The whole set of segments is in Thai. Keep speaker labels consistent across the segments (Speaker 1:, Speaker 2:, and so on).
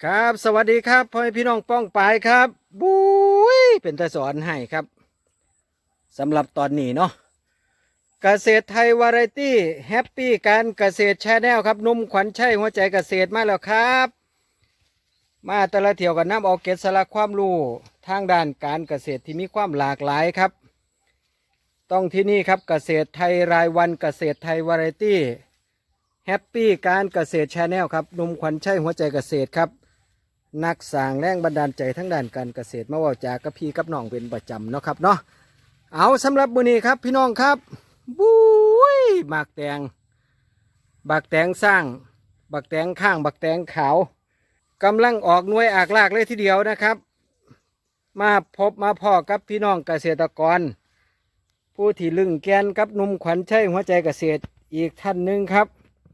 Speaker 1: ครับสวัสดีครับพ่อแม่พี่น้องป้องปายครับบุ้ยเป็นตาสอนให้ครับสำหรับตอนนี้เนาะเกษตรไทยวาไรตี้แฮปปี้การเกษตรแชนแนลครับนุ่มขวัญชัยหัวใจเกษตรมาแล้วครับมาแต่ละเที่ยวกันน้ำเอาเกร็ดสาระความรู้ทางด้านการเกษตรที่มีความหลากหลายครับต้องที่นี่ครับเกษตรไทยรายวันเกษตรไทยวาไรตี้แฮปปี้การเกษตรแชนแนลครับนุ่มขวัญชัยหัวใจเกษตรครับนักสร้างแรงบันดาลใจทั้งด้านการเกษตรมาว่าจากกับพี่กับน้องเป็นประจำเนาะครับเนาะเอาสำหรับมื้อนี้ครับพี่น้องครับบุ้ยบักแตงสร้างบักแตงข้างบักแตงขาวกำลังออกหน่วยอากลากเลยทีเดียวนะครับมาพบมาพ่อกับพี่น้องเกษตรกรผู้ที่ลึงแกนกับหนุ่มขวัญชัยหัวใจเกษตรอีกท่านหนึ่งครับ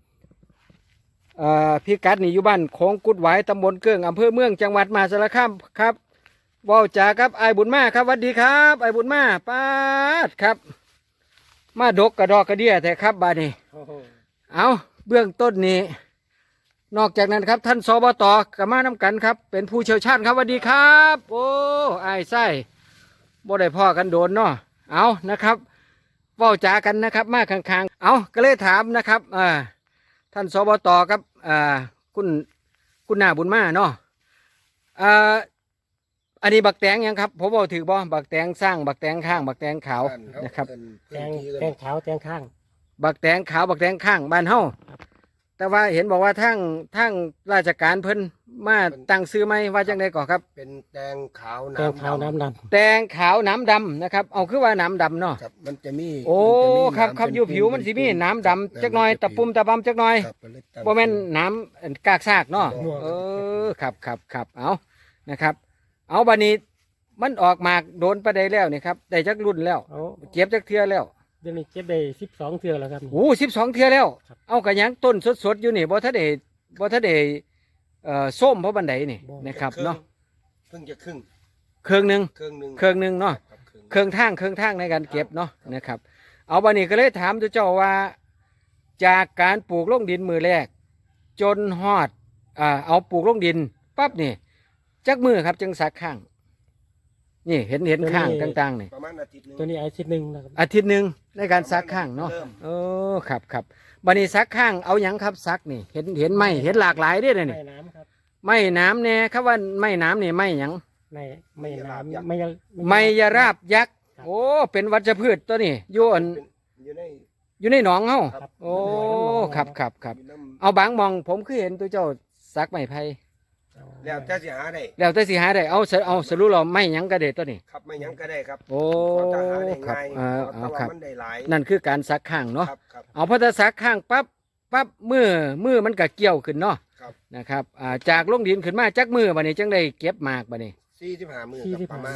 Speaker 1: พี่กัดนี่อยู่บ้านโค้งกุดหวายตำบลเกื้องอำเภอเมืองจังหวัดมหาสารคามครับว่าวจ่าครับไอ้บุญมาครับสวัสดีครับไอ้บุญมาป้าดครับมาดกกระดอกกระเดี่ยแต่ครับบาดนี้เอาเบื้องต้นนี้นอกจากนั้นครับท่านสบต.กับมาน้ำกันครับเป็นผู้เชี่ยวชาญครับสวัสดีครับโอ้ไอ้ไส้บ่ได้พ่อกันโดนเนาะเอานะครับว่าวจ่ากันนะครับมาข้างๆเอาก็เลยถามนะครับท่านสบต.ครับคุณหน้าบุญมาเนาะอันนี้บักแตงยังครับผมบอกถือบ่บักแตงสร้างบักแตงข้างบักแตงขาวนะครับ
Speaker 2: แตงขาวแตงข้าง
Speaker 1: บักแตงขาวบักแตงข้างบ้านเฮาแต่ว่าเห็นบอกว่าทั้งราชการเพิ่นมาตั้งซื้อไหมว่าจังไดก่อครับ
Speaker 3: เป็นแตงขาว
Speaker 2: แตงขาวน้ำดำ
Speaker 1: แตงขาวน้ำดำนะครับเอาคือว่าน้ำดำเนาะ
Speaker 3: ครับมันจะมี
Speaker 1: โอ้ครับอยู่ผิวมันสิมีน้ำดำจักหน่อยตะปุ่มตะบำจักหน่อยบ่แม่นน้ำกากซากเนาะครับเอานะครับเอาบัดนี้มันออกมากโดนประเดแล้วนี่ครับได้จักรุ่นแล้วเก็บจักเทื่อแล้ว
Speaker 2: เดี๋ยวนี้เก็บได้12 เทื่อแล้วครับ
Speaker 1: โอ้12 เทื่อแล้วเอากระยังต้นสดอยู่นี่บ่ทันได้ส้มเพราะบันไดนี่นะครับเนาะ
Speaker 3: เพิ่งจะครึ่ง
Speaker 1: หนึ่งเนาะเครื่องทางในการเก็บเนาะนะครับเอาบัดนี้ก็เลยถามตัวเจ้าว่าจากการปลูกลงดินมือแรกจนฮอดเอาปลูกลงดินปั๊บนี่จักมือครับจึงสักข้างนี่เห็นข้างต่างๆนี่
Speaker 3: ประมาณอาทิตย์นึง
Speaker 2: ตัวนี้อาทิตย์หนึ่งนะครับ
Speaker 1: อาทิตย์หนึ่งในการซักข้างเนาะครับบัดนี้ซักข้างเอาหยังครับซักนี่เห็นไหมเห็นหลากหลายด้วยนี่
Speaker 2: ไม่น้ำครับ
Speaker 1: ไม่น้ำเนี่ยครับว่าไม่น้ำนี่ไม่หยัง
Speaker 2: ไม่น้ำ
Speaker 1: ไม่ยาราบยักษ์โอ้เป็นวัชพืชตัวนี้อยู่ในหนองเฮาโอ้ครับเอาบางมองผมคือเห็นตัวเจ้าซักไม้ไผ่
Speaker 3: แล้วแต่สิหา
Speaker 1: ได้เอาสรุปเราไม่หยังกระเด็ดตัวนี้
Speaker 3: ครับไม่หยังก็ได้ครับ
Speaker 1: โอ้ครับ
Speaker 3: ครับ
Speaker 1: นั่นคือการซักข้างเนาะเอาพอจะซักข้างปั๊บมือมันก็เกี่ยวขึ้นเนาะนะครับจากลงดินขึ้นมาจักมือบัดนี้จังได้เก็บหมากบัดนี้
Speaker 3: 45 มื้อ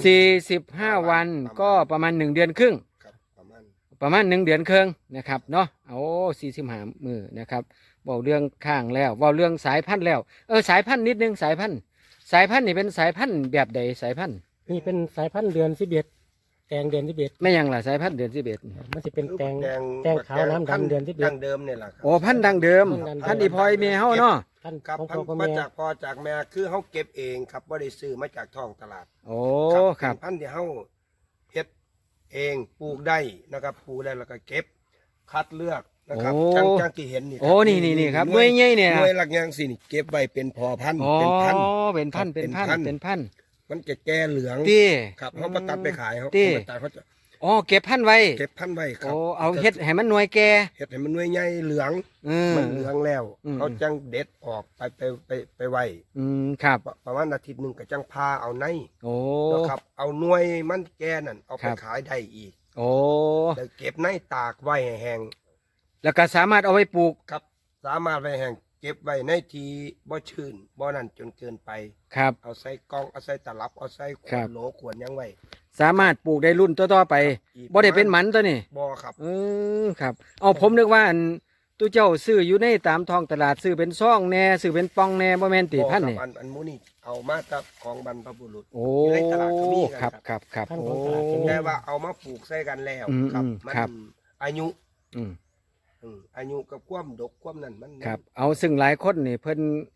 Speaker 1: 45 วันก็ประมาณ1 เดือนครึ่งประมาณ1 เดือนครึ่งนะครับเนาะโอ้45 มื้อนะครับเว้าเรื่องข้างแล้วเว้าเรื่องสายพันธุ์แล้วสายพันธุ์นิดนึงสายพันธุ์นี่เป็นสายพันธุ์แบบใดสายพันธุ์
Speaker 2: นี่เป็นสายพันธุ์เดือน11แตงเดือน11
Speaker 1: ไม่ยังล่ะสายพันธุ์เดือน11
Speaker 2: มันจะเป็นแตงขาวน้ำดำเดือน11
Speaker 3: ดังเดิมเนี่ยแหละครับ
Speaker 1: โอ้พันธุ์ดังเดิมพันธุ์อีพอยเมียเฮาเนาะ
Speaker 3: พันธุ์มาจากพ่อจากแม่คือเฮาเก็บเองครับบ่ได้ซื้อมาจากท้องตลาด
Speaker 1: โอ้ครับ
Speaker 3: พันธุ์ที่เฮาเฮ็ดเองปลูกได้นะครับปลูกได้แล้วก็เก็บคัดเลือกนะครับจังที่เห็นนี่
Speaker 1: โอ้นี่ครับหน่วยใหญ่เนี่ย
Speaker 3: หน่วยหลักอย่างสินี่เก็บไว้เป็นพอพันธุ์
Speaker 1: เป็นพันธุ์
Speaker 3: มันจะแก่เหลืองครับเขาตัดไปขายเขาตัดเขาจะ
Speaker 1: เก็บพันธุ์ไว้
Speaker 3: ครับ
Speaker 1: เอาเฮ็ดให้มันหน่วยแก่
Speaker 3: เฮ็ดให้มันหน่วยใหญ่เหลืองมันเหลืองแล้วเขาจังเด็ดออกไปไว้
Speaker 1: ครับ
Speaker 3: ประมาณอาทิตย์นึงก็จังพาเอาใน
Speaker 1: นะครับ
Speaker 3: เอาหน่วยมันแก่นั่นเอาไปขายได้อีกแล้วเก็บในตากไว้แห้ง
Speaker 1: แล้วก็สามารถเอาไว้ปลูก
Speaker 3: ครับสามารถไว้แห้งเก็บไว้ในที่บ่ชื้นบ่นั่นจนเกินไป
Speaker 1: ครับ
Speaker 3: เอาใส่กล่องเอาใส่ตลับเอาใส่ขวดโหลขวดยังไว้
Speaker 1: สามารถปลูกได้รุ่นต่อไปบ่ได้เป็นหมันตัวนี้
Speaker 3: บ่ครับ
Speaker 1: ครับเอาผมนึกว่าตัวเจ้าซื้ออยู่ในตามท้องตลาดซื้อเป็นซองแน่ซื้อเป็นปองแน่บ่แม่นติพันนี่
Speaker 3: อันมูนี่เอามาจากของบรรพบุรุษ
Speaker 1: ใน
Speaker 3: ตลาดก็มี
Speaker 1: ครับ
Speaker 3: โอ้แต่ว่าเอามาปลูกใส่กันแล้วครับมันอายุกับความดกความนั่นมัน
Speaker 1: ครับเอาซึ่งหลายคนนี่เพิ่น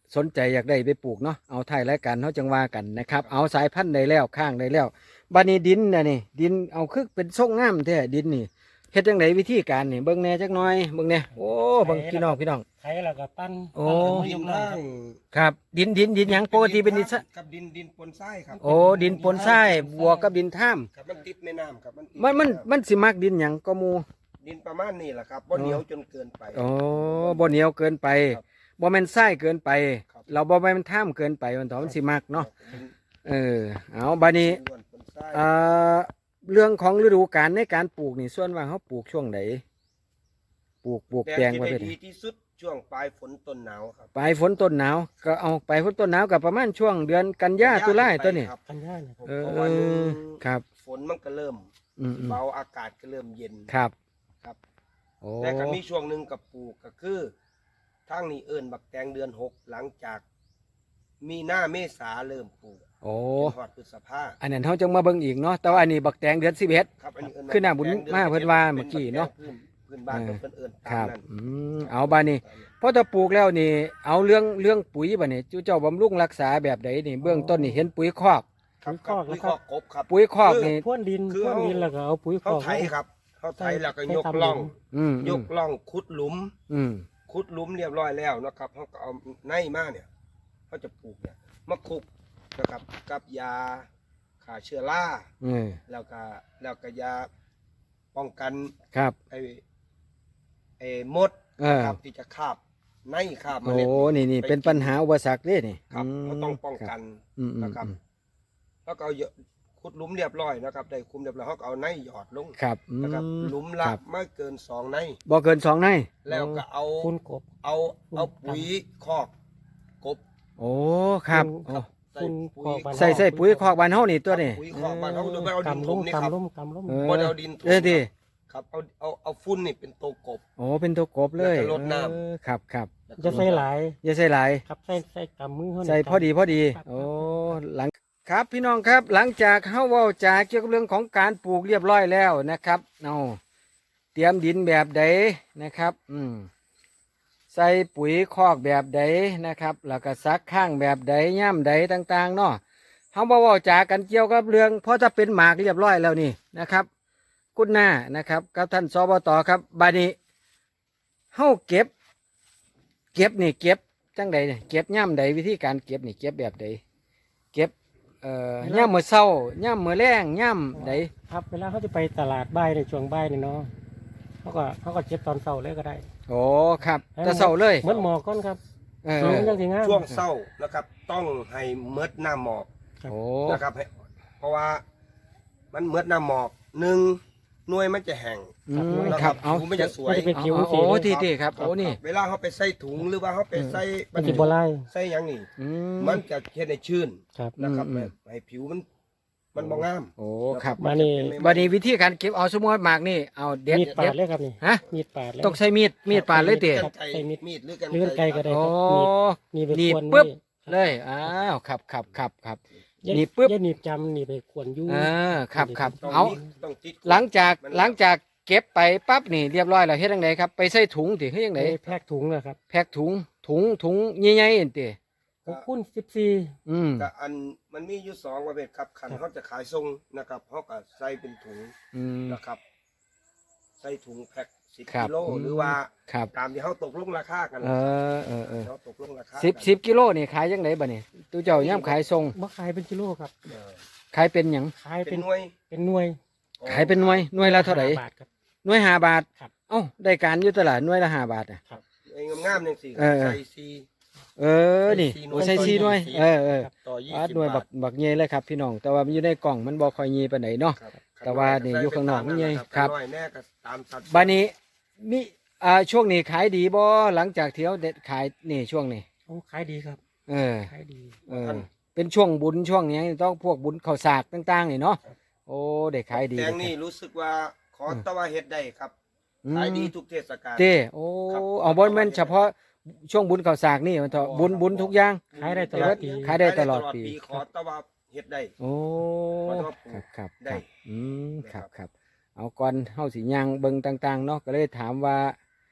Speaker 1: สนใจอยากได้ไปปลูกเนาะเอาท้ายรายการเขาจังว่ากันนะครับเอาสายพันธุ์ได้แล้วข้างได้แล้วบัดนี้ดินน่ะนี่ดินเอาคือเป็นทรงงามแท้ดินนี่เฮ็ดจังไดวิธีการนี่เบิ่งแหน่จักหน่อยเบิ่งแหน่โอ้เบิ่งพี่น้อง
Speaker 2: ไถแล้วก็ปั้น
Speaker 1: โอ้
Speaker 2: ปั้น
Speaker 3: ดิ
Speaker 2: ย
Speaker 3: น
Speaker 2: กล่อ
Speaker 3: ล่าง ง
Speaker 1: ครับดินหยังปกติเป็นดิน
Speaker 3: กับดินปนทรายครับ
Speaker 1: โอ้ดินปนทรายบวกกับดินท่าม
Speaker 3: ครับมันติดแม่น้ำครับติด
Speaker 1: มันสิมักดินหยังก็หมู่
Speaker 3: ดินประมาณนี้แหละครับบ่เหนียวจนเกินไป
Speaker 1: โอ้บ่เหนียวเกินไป
Speaker 3: ครับ
Speaker 1: บ่แม่นทรายเกินไป
Speaker 3: ครับ
Speaker 1: เราบ่แม่นท่ามเกินไปมันต่อมันสิมักเนาะ
Speaker 3: ดิน
Speaker 1: เอาบัดนี้
Speaker 3: ล้วนปนทราย
Speaker 1: เอ่อเรื่องของฤดูกาลในการปลูกนี่ส่วนว่าเขาปลูกช่วงไหนปลูกแปลง
Speaker 3: ที่
Speaker 1: ไว้
Speaker 3: ได้
Speaker 1: เป็น
Speaker 3: ดีที่สุดช่วงปลายฝนต้นหนาวครับ
Speaker 1: ปลายฝนต้นหนาวก็เอาปลายฝนต้นหนาวกับประมาณช่วงเดือนกันยาตุลาตัวนี้
Speaker 3: ครับ
Speaker 2: กันย่าเนี่ย
Speaker 1: เอ
Speaker 3: เพราะว่าหนึ่ง
Speaker 1: ครับ
Speaker 3: ฝนมันก็เริ่ม
Speaker 1: อืม
Speaker 3: เบาอากาศก็เริ่มเย็น
Speaker 1: ครับ
Speaker 3: ครับ
Speaker 1: โอ้
Speaker 3: แต่ก็มีช่วงหนึ่งกับปลูกก็คือทางนี้เอิ้นบักแตงเดือน6หลังจากมีหน้าเมษาเริ่มปลูก
Speaker 1: โอ้
Speaker 3: จนฮอดพฤษภา
Speaker 1: อันนั้นเขาจังมาเบิ่งอีกเนาะแต่ว่าอันนี้บักแตงเดือน11
Speaker 3: ครับอันนี้เอิ้น
Speaker 1: คือหน้าบุญ
Speaker 3: บักแตง
Speaker 1: มาเพิ่นว่าเมื่อกี้เนาะ
Speaker 3: พื้นบ้านเพิ่นเอิ้น
Speaker 1: ค
Speaker 3: ตา
Speaker 1: รั
Speaker 3: ม
Speaker 1: บ
Speaker 3: นั้น
Speaker 1: เอาบานี้พอถ้าปลูกแล้วนี่เอาเรื่องปุ๋ยบ่นี่เจ้าบำรุงรักษาแบบใดนี่เบื้องต้นนี่เห็นปุ๋ยคอก
Speaker 3: ครับครับปุ๋ยคอกกบครับ
Speaker 1: ปุ๋ยคอกนี่
Speaker 2: พ่นดิน
Speaker 3: คือ
Speaker 2: พ่นดินแล้วก็เอาปุ๋ย
Speaker 3: เขา
Speaker 2: คอก
Speaker 3: ไถครับเขาไถแล้วก็
Speaker 2: ใส่
Speaker 3: ยก
Speaker 2: ตามหลุม
Speaker 3: ล่อง
Speaker 1: อืม
Speaker 3: ยกล่องขุดหลุม
Speaker 1: อืม
Speaker 3: ขุดหลุมเรียบร้อยแล้วนะครับเขาก็เอาในมาเนี่ยเขาจะปลูกเนี่ยมาคลุกนะครับกับยาฆ่าเชื้อรา
Speaker 1: อืม
Speaker 3: แล้วก็ยาป้องกัน
Speaker 1: ครับ
Speaker 3: ไอ้มด
Speaker 1: เออ
Speaker 3: ครับที่จะคาบในคาบเม
Speaker 1: โอ้
Speaker 3: ล็ด
Speaker 1: นี่เป็นปัญหาอุปสรรคเด้นี่
Speaker 3: ครับเขาต้องป้องกัน
Speaker 1: อืม
Speaker 3: นะครับ แล้วก็เอาขุดหลุมเรียบร้อยนะครับได้คุมเรียบร้อยเขาก็เอาในหยอดลง
Speaker 1: ครับ
Speaker 3: นะครับหลุมละ
Speaker 1: ครับ
Speaker 3: ไม่เกิน2ใน
Speaker 1: บ่เกิน2ใน
Speaker 3: แล้วก็เอา
Speaker 2: คุณกบ
Speaker 3: เอาปุ๋ยคอกกบ
Speaker 1: โอ้ครับโอ้
Speaker 2: คุณคอกบ้าน
Speaker 1: ใส่ปุ๋ยคอกบ้านเฮานี่ตัวนี่
Speaker 3: ปุ๋ยคอกบ้านเขาโดยไม่เอาดิน
Speaker 2: กำ
Speaker 3: ถ
Speaker 2: ล้
Speaker 3: ม
Speaker 2: ม
Speaker 3: นี่ครับ
Speaker 2: กำล้มกำล้ม
Speaker 1: เออ
Speaker 3: บ่ได้เอาดินถม
Speaker 1: ดิ
Speaker 3: ครับเอาฝุ่นนี่เป็นตัวกบ
Speaker 1: โอ้เป็นตัวกบเลย
Speaker 3: แล้วก็รดน้ำ
Speaker 1: ครับครับ
Speaker 2: จะใส่หลาย
Speaker 1: อย่าใส่หลาย
Speaker 2: ครับใส่กำมือเขา
Speaker 1: ใส่พอดีโอ้หลังครับพี่น้องครับหลังจากเฮาเว้าจาเกี่ยวกับเรื่องของการปลูกเรียบร้อยแล้วนะครับเอาเตรียมดินแบบใดนะครับใส่ปุ๋ยคอกแบบใดนะครับ แล้วก็ซักข้างแบบใดย่ำใดต่างๆเนาะเฮาบ่เว้าจากันเกี่ยวกับเรื่องเพราะถ้าเป็นหมากเรียบร้อยแล้วนี่นะครับคุณหน้านะครับกับท่านสบตครับบาดนี้เฮาเก็บนี่เก็บจังใดเนี่ยเก็บย่ำใดวิธีการเก็บนี่เก็บแบบใดเก็บย่ำมื้อเช้าย่ำมื้อแลงย่ำใด
Speaker 2: ครับเวลาเขาจะไปตลาดบ่ายในช่วงบ่ายนี่เนาะเขาก็เก็บตอนเช้าเลยก็ได้
Speaker 1: โอ้ครับแต่เช้าเลย
Speaker 2: เหมือนหมอกก้อนครับ
Speaker 1: เอ
Speaker 2: สูง
Speaker 1: อ
Speaker 2: จังสิงาม
Speaker 3: ช่วงเศร้านะครับ ต้องให้เมดหน้าหมอก
Speaker 1: โอ้
Speaker 3: นะครับเพราะว่ามันเมดหน้าหมอกหนึ่งหน่วยมันจะแห้ง นะ
Speaker 1: ครับเอา
Speaker 3: ผิวมันจะสวย
Speaker 2: มันจะเป็นผิว
Speaker 1: โอ้
Speaker 2: สี
Speaker 1: โอ้
Speaker 2: เลย
Speaker 1: ที่ครับโอ้นี่
Speaker 3: เวลาเขาไปใส่ถุงหรือว่าเขาไปใส่
Speaker 2: มันจะบ่ไล่
Speaker 3: ใส่หยังนี่
Speaker 1: อื
Speaker 3: มันจะเฮ็ดให้ชื้น
Speaker 2: ครับ
Speaker 3: นะครับ
Speaker 1: อืม
Speaker 3: ให้ผิวมันบ่งาม
Speaker 1: โอ้ครับ
Speaker 2: มานี่
Speaker 1: บัดนี้วิธีการเก็บเอาสมมติหมากนี่เอาเด็ด
Speaker 2: มีดปา
Speaker 1: เด็
Speaker 2: ด
Speaker 1: ด
Speaker 2: เลยครับนี่
Speaker 1: ฮะ
Speaker 2: มีดปาดเลย
Speaker 1: ต้องใช้มีดปาดเลยเตะ
Speaker 3: กันไกร
Speaker 2: ใส่มีด
Speaker 3: มีดหรือ
Speaker 2: เลื่อนไกลก็ได้
Speaker 1: โอ้
Speaker 2: ครับมีดไป
Speaker 1: หนีบ
Speaker 2: ควร
Speaker 1: ปึ๊บ
Speaker 2: นี่
Speaker 1: เลยอ้าวครับหนีบปึ๊บ
Speaker 2: อย่าหนีบจำหนีบไปควรอยู่
Speaker 1: ครับ
Speaker 3: ต้อง
Speaker 1: เอา
Speaker 3: ต้องติด
Speaker 1: หลังจากเก็บไปปั๊บนี่เรียบร้อยแล้วเฮ็ดจังไดครับไปใส่ถุงติเฮ็ดจัง
Speaker 2: ไป
Speaker 1: ได
Speaker 2: แพ็กถุงนะครับ
Speaker 1: แพ็คถุงใหญ่ๆนั่นติ
Speaker 2: คุณ14
Speaker 3: ก็อันมันมีอยู่2ประเภทครับคันเขาจะขายส่งนะครับเขาก็ใส่เป็นถุง
Speaker 1: อืม
Speaker 3: นะครับ ใส่ถุงแพ็ค10
Speaker 1: ครับ
Speaker 3: กิโลหรือว่า
Speaker 1: ครับ
Speaker 3: ตามที่เขาตกลงราคากัน
Speaker 1: เออ
Speaker 3: เขาตกลงราคา
Speaker 1: 10กิโลนี่ขายจังไดบัดนี้ตู้เจ้าย่ำขายส่ง
Speaker 2: บ่ขายเป็นกิโลครับ
Speaker 3: เออ
Speaker 1: ขายเป็นหยัง
Speaker 2: ขาย
Speaker 3: เป็
Speaker 2: เป็น น
Speaker 3: หน่วย
Speaker 2: เป็นหน่วย
Speaker 1: ขายเป็นหน่วยละเท่าไหร่
Speaker 2: บาทครับ
Speaker 1: หน่วย5 บาท
Speaker 2: ครับ
Speaker 1: เอ้าได้การอยู่ตลาดหน่วยละ5 บาทอ่ะ
Speaker 3: ไอ้งามๆจังซี่
Speaker 1: เออ
Speaker 3: ใส่ซี
Speaker 1: นี่
Speaker 3: ใส่
Speaker 1: โอ้ใส่ซีหน่วย
Speaker 3: ใส่
Speaker 1: ครับ
Speaker 3: ต่อ
Speaker 1: หน่วย
Speaker 3: 20
Speaker 1: บั
Speaker 3: บาก ท
Speaker 1: บักเย่เลยครับพี่น้องแต่ว่ามันอยู่ในกล่องมันบ่ค่อยเย่ปานไหนเนาะ
Speaker 3: ครับ
Speaker 1: แต่ว่านี่อยู่ข้างนอกนี่ไงครับ
Speaker 3: น้อยแน่ก็ตามสัด
Speaker 1: บัดนี้มีช่วงนี้ขายดีบ่หลังจากเที่ยวเด็ดขายนี่ช่วงนี้
Speaker 2: โอ้ขายดีครับ
Speaker 1: เออ
Speaker 2: ขายดี
Speaker 1: เป็นช่วงบุญช่วงนี้ต้องพวกบุญข้าวสากต่างๆนี่เนาะโอ้ได้ขายดี
Speaker 3: แตงนี่รู้สึกว่าขอแตะว่าเฮ็ดได้ครับ
Speaker 1: อืม
Speaker 3: ขายดีทุกเทศกาล
Speaker 1: เต้โอ้
Speaker 3: ครับ
Speaker 1: เอาบ่แม่นเฉพาะช่วงบุญข้าวสากนี่มันเถอะบุญทุกอย่าง
Speaker 2: ขายได้ตลอดปี
Speaker 1: ขายได้ตลอดปี
Speaker 3: ขอแตะว่าเฮ็ดได้
Speaker 1: โอ้
Speaker 3: ขอโทษปู่
Speaker 1: ครับ
Speaker 3: ได้
Speaker 1: ครับเอาก่อนเฮาสิย่างเบิ่งต่างๆเนาะก็เลยถามว่า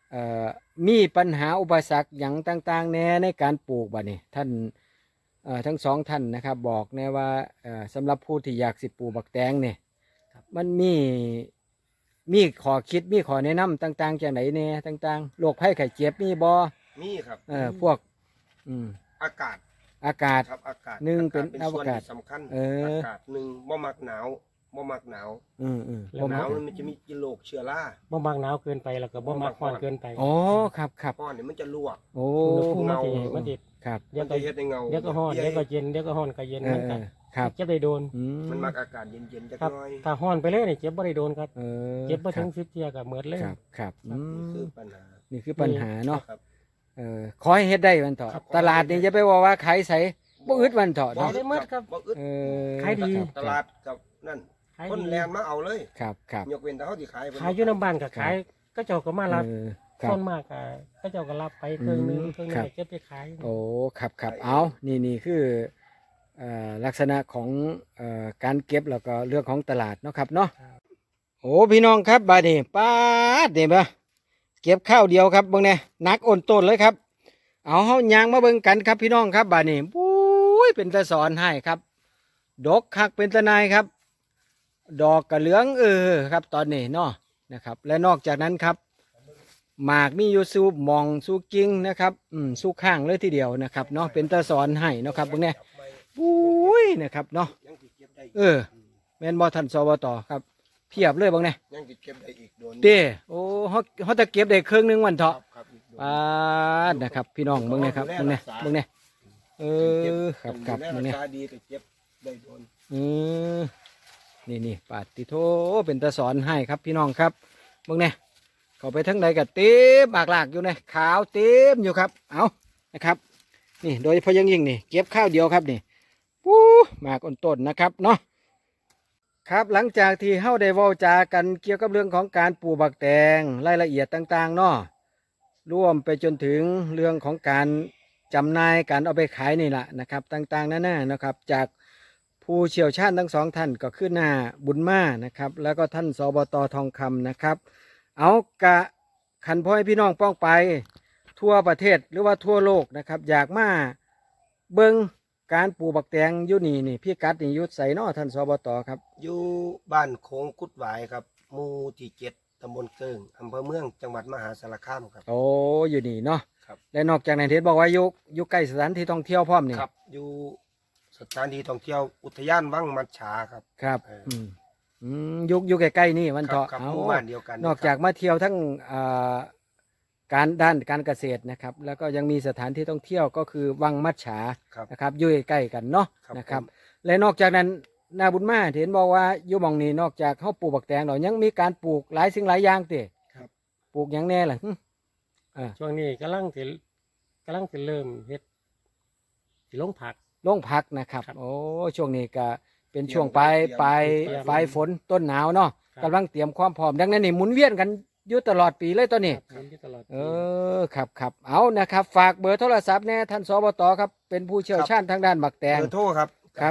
Speaker 1: เอ่อมีปัญหาอุปสรรคอย่างต่างๆแน่ในการปลูกบ่นี่ท่านทั้งสองท่านนะครับบอกแน่ว่าสำหรับผู้ที่อยากสิปลูกบักแตงเนี่ยมันมีข้อคิดมีข้อแนะนำต่างๆจากไหนแน่ต่างๆโรคภัยไข้เจ็บมีบ่
Speaker 3: มีครับ
Speaker 1: พวก
Speaker 3: อากาศ
Speaker 1: อากาศ
Speaker 3: ครับอากาศ
Speaker 1: หนึ่งเป็น
Speaker 3: ส่วน
Speaker 1: อากาศ
Speaker 3: ที่สำคัญ
Speaker 1: เอออ
Speaker 3: อากาศหนึ่งบ่มักหนาวบ่มักหนาว
Speaker 1: ผม
Speaker 3: หนาวมันจะมีโรคเชื้อรา
Speaker 2: บ่มักหนาวเกินไปแล้วก็บ่มักร้อนเกินไป
Speaker 1: อ๋อครับครับ
Speaker 3: ก้อนเนี่ยมันจะลวก
Speaker 1: โอ้
Speaker 2: อุณหภูมิมัน
Speaker 3: เงา
Speaker 2: สิมันสิ
Speaker 1: ครับ
Speaker 2: เดี๋
Speaker 3: มั
Speaker 2: ยวน ก็
Speaker 3: จะเฮ็ดให้เงา
Speaker 2: เดี๋ยวก็ร้อนเดี๋ยวก็เย็นเดี๋ยวก็ร้อนก็เย็น
Speaker 1: เอ
Speaker 2: มัน
Speaker 1: อ
Speaker 2: ก็
Speaker 1: ครับ
Speaker 2: เจ็บได้โดน
Speaker 3: มันมักอากาศเย็นๆจัก
Speaker 2: ครับ
Speaker 3: หน้อย
Speaker 2: ถ้าร้อนไปเลยนี่เจ็บบ่ได้โดนครับ
Speaker 1: เออ
Speaker 2: เจ็บบ่
Speaker 1: ค
Speaker 2: ถึ
Speaker 1: รั
Speaker 2: ง10เที่ยก็หมดเลย
Speaker 1: ครับครับ
Speaker 3: นี่คือปัญหา
Speaker 1: นี่คือปัญหาเนาะ
Speaker 3: ครับ
Speaker 1: ขอให้เฮ็ดได้วันเถอะ
Speaker 3: ครับ
Speaker 1: ตลาดนี่จะไปว่าขายใส่บ่อึดวันเถอะ
Speaker 2: บ่
Speaker 1: เนาะ
Speaker 2: ได้หมดครับ
Speaker 3: บ่อึด
Speaker 1: เออ
Speaker 2: ขายดี
Speaker 1: ครับ
Speaker 3: ตลาดกับนั่น
Speaker 2: ขาย
Speaker 3: คน
Speaker 2: ดี
Speaker 3: แลนมาเอาเลย
Speaker 1: ครับครับ
Speaker 3: ยกเว้นแต่เขาสิขายเพิ่น
Speaker 2: ขายอยู่น้ำบ้านก็ขายก็เจ้าก็มารับ
Speaker 1: ครั
Speaker 2: ส่
Speaker 1: บ
Speaker 2: วนมากก็เจ้าก็รับไปเครื่องหนึง
Speaker 1: อืม
Speaker 2: เครื่องหนึ
Speaker 1: ครั
Speaker 2: ง
Speaker 1: บ
Speaker 2: ก็เก็บไปขาย
Speaker 1: โอ้ครับครับเอานี่คือลักษณะของการเก็บแล้วก็เรื่องของตลาดเนาะครับเนาะโอ้พี่น้องครับบาดนี้ป้าดนี่บ่เก็บข้าวเดียวครับเบิ่งแน่หนักอ่อนต้นเลยครับเอาเฮายางมาเบิ่งกันครับพี่น้องครับบาดนี้ปุ้ยเป็นตาสอนให้ครับดกคักเป็นตะนายครับ ดอกกระเหลืองครับตอนนี้เนาะนะครับ และนอกจากนั้นครับหมากมีอยู่สูบมองสูกิ่งนะครับสูข้างเลยทีเดียวนะครับเนาะเป็นตาสอนให้เนาะครับพวกเนี้ยปุ้ยนะครับเนาะ
Speaker 3: ยังสิเก็บได้ก
Speaker 1: แม่นบ่ทันสวตครับเพียบเลยบางเนี่ย
Speaker 3: ยังสิเก็บได้อีกโดน
Speaker 1: เด้โอ้เขาจะเก็บได้ครึ่งหนึงวัน
Speaker 3: ครั
Speaker 1: เถาะ
Speaker 3: บครับอีกโดน
Speaker 1: ปาดนะครับ พี่น้องเบิ่งเนี่ยครับเบิ่งเนี่ยเบิ่งเนี่ยครับครับ
Speaker 3: ดู
Speaker 1: เบิ่ง
Speaker 3: แล
Speaker 1: เนี่ย
Speaker 3: รักษาดีก็เก็บได้โดน
Speaker 1: นี่ปาดติโทเป็นตาสอนให้ครับพี่น้องครับเบิ่งเนี่ยเข้าไปทั้งใดก็เต็มบากหลากอยู่เนี่ยขาวเต็มอยู่ครับเอานะครับนี่โดยเฉพาะอยังยิ่งนี่เก็บข้าวเดียวครับนี่ปู้หมากอ่อนต้นนะครับเนาะครับหลังจากที่เฮาได้เว้าจากันเกี่ยวกับเรื่องของการปลูกบักแตงรายละเอียดต่างๆเนาะร่วมไปจนถึงเรื่องของการจำหน่ายการเอาไปขายนี่แหละนะครับต่างๆนั่นๆนะครับจากผู้เชี่ยวชาญทั้งสองท่านก็คือหน้าบุญมานะครับแล้วก็ท่านสบตทองคำนะครับเอากะขันพ่อให้พี่น้องป้องไปทั่วประเทศหรือว่าทั่วโลกนะครับอยากมาเบิงการปลูกบักแตงอยู่นี่พี่กัดนี่อยุดใส่นอท่านสบตครับ
Speaker 3: อยู่บ้านโค้งกุดหวายครับหมู่ที่7ตำบลเกิงอำเภอเมืองจังหวัดมหาสารคามครับ
Speaker 1: โอ้อยู่นี่เนาะ
Speaker 3: ครับ
Speaker 1: และนอกจากนั้นเห็นบอกว่าอยู่ใกล้สถานที่ท่องเที่ยวพร้อมนี่
Speaker 3: ครับอยู่สถานที่ท่องเที่ยวอุทยานวังมัดฉาครับ
Speaker 1: ครับ
Speaker 3: เอออื
Speaker 1: อยู่ใกล้ๆนี่มัน
Speaker 3: ครับ
Speaker 1: เถาะ
Speaker 3: ครับ
Speaker 1: เอา
Speaker 3: หมู่บ้านเดียวกัน
Speaker 1: นอกจากมาเที่ยวทั้งการด้านการเกษตรนะครับ แล้วก็ยังมีสถานที่ท่องเที่ยวก็คือวังมัดฉา
Speaker 3: ครับ
Speaker 1: นะครับอยู่ใกล้ๆกันเนาะ
Speaker 3: ครับ
Speaker 1: นะครับ
Speaker 3: ผม
Speaker 1: และนอกจากนั้นนาบุญมาเห็นบอกว่าอยู่หมองนี้นอกจากเขาปลูกบักแตงแล้วยังมีการปลูกหลายสิ่งหลายอย่างติ
Speaker 3: ครับ
Speaker 1: ปลูกอย่างแน่ล่ะ
Speaker 2: ช่วงนี้กำลังสิเริ่มเฮ็ดสิลงผัก
Speaker 1: ลงพักนะครับ
Speaker 2: ครับ
Speaker 1: โอ้ช่วงนี้ก็เป็นช่วง
Speaker 3: เตรียม
Speaker 1: ปลาย
Speaker 3: เตรียม
Speaker 1: ปลายฝนต้นหนาวเนาะ
Speaker 2: ครับ
Speaker 1: กำลังเตรียมความพร้อมดังนั้นนี่หมุนเวียนกันอยู่ตลอดปีเลยตอนนี้
Speaker 2: ครับอยู่ตลอด
Speaker 1: ครับเอานะครับ ฝากเบอร์โทรศัพท์แน่ท่านสบตครับเป็นผู้เชี่ยวชาญทางด้านบักแตง
Speaker 3: เบอร์โทรครับ
Speaker 1: ครับ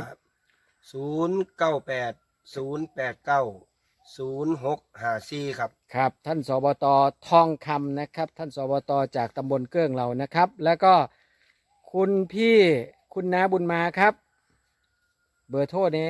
Speaker 3: 098 089 0654ครับ
Speaker 1: ครับท่านสบตทองคำนะครับ ท่านสบตจากตำบลเกื้องเรานะครับ แล้วก็คุณพี่คุณน้าบุญมาครับ เบอร์โทรเนี่ย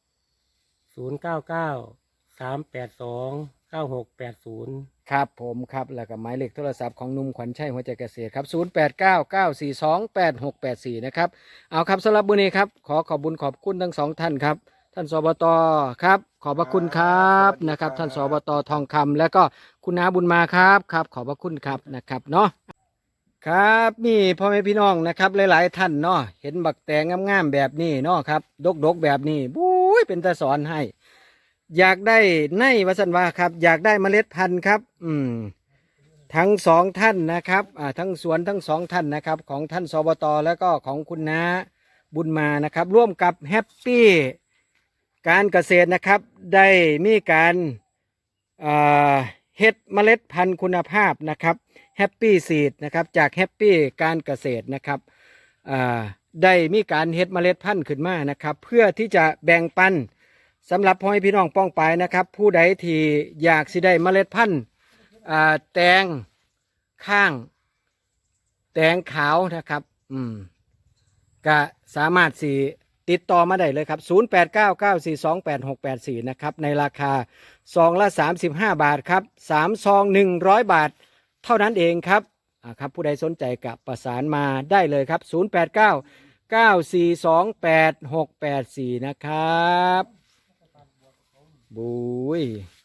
Speaker 2: 099 382 9680
Speaker 1: ครับผมครับแล้วก็หมายเลขโทรศัพท์ของหนุ่มขวัญชัยหัวใจเกษตรครับ0899428684นะครับเอาครับสำหรับมื้อนี้ครับขอบคุณขอบคุณทั้งสองท่านครับ ท่านสบตครับขอบพระคุณครับ
Speaker 3: สวัสดีครับ
Speaker 1: นะครับ ท่านสบตทองคำแล้วก็คุณน้าบุญมาครับครับขอบพระคุณครับนะครับเนาะครับนี่พ่อแม่พี่น้องนะครับหลายๆท่านเนาะเห็นบักแตงงามๆแบบนี้เนาะครับดกๆแบบนี้บุ้ยเป็นตาสอนให้ อยากได้ในวัสันวาครับ อยากได้เมล็ดพันธุ์ครับ ทั้งสองท่านนะครับทั้งสวนทั้งสองท่านนะครับ ของท่านสบตแล้วก็ของคุณน้าบุญมานะครับ ร่วมกับแฮปปี้การเกษตรนะครับ ได้มีการเฮ็ดเมล็ดพันธุ์คุณภาพนะครับแฮปปี้ซีดนะครับจากแฮปปี้การเกษตรนะครับได้มีการเฮ็ดเมล็ดพันธุ์ขึ้นมานะครับ เพื่อที่จะแบ่งปันสำหรับพ่อแม่พี่น้องป้องไปนะครับ ผู้ใดที่อยากสิได้เมล็ดพันธุ์แตงข้างแตงขาวนะครับก็สามารถสิติดต่อมาได้เลยครับ0899428684นะครับในราคาซองละ35 บาทครับ3 ซอง100 บาทเท่านั้นเองครับครับผู้ใดสนใจกับประสานมาได้เลยครับ0899428684นะครับบุย